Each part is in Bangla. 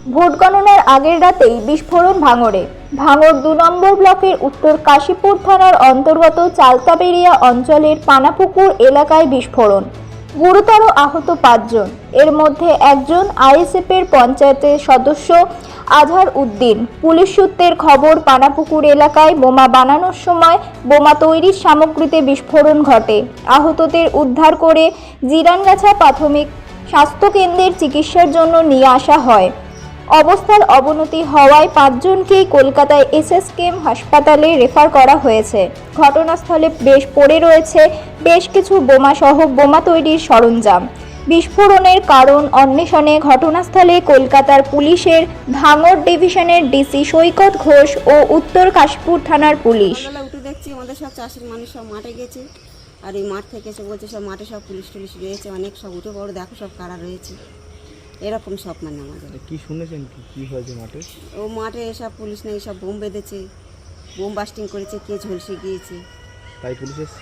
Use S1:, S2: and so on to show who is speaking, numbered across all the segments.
S1: ভোট গণনার আগের রাতেই বিস্ফোরণ ভাঙড়ে। ভাঙড় ২ নম্বর ব্লকের উত্তর কাশীপুর থানার অন্তর্গত চালতাবেড়িয়া অঞ্চলের পানাপুকুর এলাকায় বিস্ফোরণ। গুরুতর আহত ৫ জন। এর মধ্যে একজন আইএসএফের পঞ্চায়েতের সদস্য আজহার উদ্দিন। পুলিশ সূত্রের খবর, পানাপুকুর এলাকায় বোমা বানানোর সময় বোমা তৈরির সামগ্রীতে বিস্ফোরণ ঘটে। আহতদের উদ্ধার করে জিরানগাছা প্রাথমিক স্বাস্থ্যকেন্দ্রের চিকিৎসার জন্য নিয়ে আসা হয়। অবস্থার অবনতি হওয়ায় ৫ জনকেই কলকাতায় এসএসকেএম হাসপাতালে রেফার করা হয়েছে। ঘটনাস্থলে পড়ে রয়েছে বেশ কিছু বোমা সহ বোমা তৈরির সরঞ্জাম। বিস্ফোরণের কারণ অন্বেষণে ঘটনাস্থলে কলকাতার পুলিশের ভাঙড় ডিভিশনের ডিসি সৈকত ঘোষ ও উত্তর কাশীপুর থানার পুলিশ।
S2: উঠে দেখছি আমাদের সব চাষের মানুষ সব মাঠে গেছে, আর এই মাঠ থেকে এসে বলছে সব মাঠে সব পুলিশ টুলিশ রয়েছে, অনেক সব উঠে পড়ে দেখো সব কারা রয়েছে, এরকম সব মানে আমাদের।
S3: কি শুনেছেন কি হয়েছে মাঠে?
S2: ও মাঠে সব পুলিশ নেই, সব বোম বেঁধেছে, বোম বাস্টিং করেছে, কে ঝলসে গিয়েছে।
S3: তাই পুলিশ এসছে?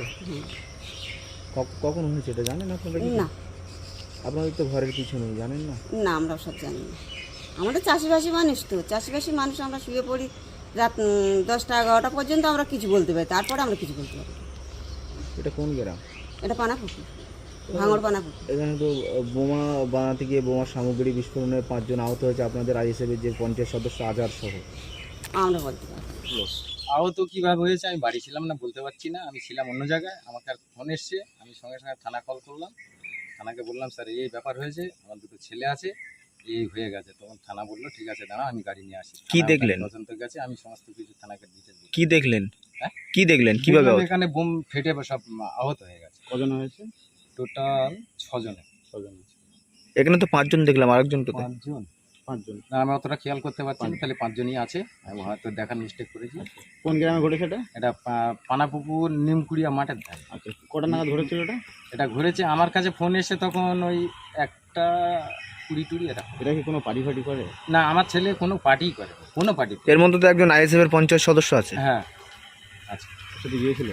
S3: কখন হয়েছে এটা জানেন আপনারা?
S2: না,
S3: আপনাদের তো ঘরের কিছু নেই, জানেন না?
S2: না, আমরা সব জানি না। আমাদের চাষিবাসী মানুষ, তো চাষিবাসী মানুষ, আমরা শুয়ে পড়ি রাত 10টা 11টা পর্যন্ত, আমরা কিছু বলতে পারি, তারপরে আমরা কিছু বলতে পারি।
S3: এটা কোন গ্রাম?
S2: এটা পানাপুকুর, ভাঙড় পানাপুকুর।
S3: এখানে তো বোমা বানাতে গিয়ে বোমার সামগ্রী বিস্ফোরণে ৫ জন আহত হয়েছে, আপনাদের আইএসএফের যে পঞ্চায়েত সদস্য আজহার সহ।
S2: আমরা বলতে পারি
S4: আহত কীভাবে হয়েছে আমি বাড়ি ছিলাম না, বলতে পারছি না। আমি ছিলাম অন্য জায়গায়, আমাকে আর ফোন এসছে, আমি সঙ্গে সঙ্গে থানা কল করলাম। থানাকে বললাম স্যার এই ব্যাপার হয়েছে, আমার দুটো ছেলে আছে, এই হয়ে গেছে। তখন থানা বললো ঠিক আছে দাঁড়া, আমি গাড়ি নিয়ে আসি।
S3: কি দেখলেন?
S4: তদন্ত গেছে, আমি সমস্ত কিছু থানাকে ডিটেলস দিই।
S3: কি দেখলেন?
S4: হ্যাঁ,
S3: কি দেখলেন? কিভাবে?
S4: এখানে বোম ফেটে সব আহত হয়ে গেছে।
S3: কজন হয়েছে?
S4: টোটাল 6 জন।
S3: এখানে তো ৫ জন দেখলাম, আরেকজন তো
S4: 5 জন। না, আমি অতটা খেয়াল করতে পারছি না, তাহলে 5 জনই আছে। আমি হয়তো দেখার মিস্টেক করেছি।
S3: কোন গ্রামে ঘটেছে এটা?
S4: এটা পানাপুকুর নিমকুড়িয়া মাঠের ধারে।
S3: আচ্ছা, কটা নাগাদ ঘটেছিল এটা?
S4: এটা ঘুরেছে, আমার কাছে ফোন এসে তখন ওই 1টা 20 এটা।
S3: এটা কি কোনো পার্টি ফাটি করে?
S4: না, আমার ছেলে কোনো পার্টি করে, কোনো পার্টি।
S3: এর মধ্যে তো একজন আইএসএফের পঞ্চায়েত সদস্য আছে।
S4: হ্যাঁ, আচ্ছা।
S3: সেটা গিয়েছিল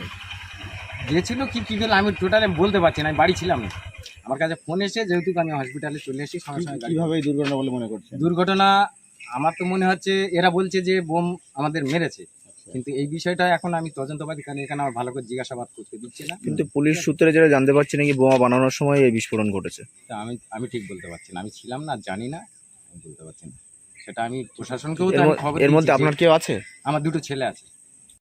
S4: কি করলো আমি টোটালি বলতে পারছি না, আমি বাড়ি ছিলাম না। আমার কাছে ফোন এসে, যেহেতু আমি হসপিটালে চলে এসেছি সঙ্গে সঙ্গে।
S3: কিভাবে এই দুর্ঘটনা বলে মনে করছেন?
S4: দুর্ঘটনা আমার তো মনে হচ্ছে এরা বলছে যে বোম আমাদের মেরেছে, কিন্তু এই বিষয়টা এখন আমি তদন্তবাদী, কারণ এখানে আমার ভালো করে জিজ্ঞাসাবাদ করতে দিচ্ছে না।
S3: কিন্তু পুলিশ সূত্রে যেটা জানতে পারছি নাকি বোমা বানানোর সময় এই বিস্ফোরণ ঘটেছে।
S4: তা আমি ঠিক বলতে পারছি না, আমি ছিলাম না, জানি না, আমি বলতে পারছি না। সেটা আমি প্রশাসনকেও
S3: এর মধ্যে আপনার কেউ আছে?
S4: আমার দুটো ছেলে আছে।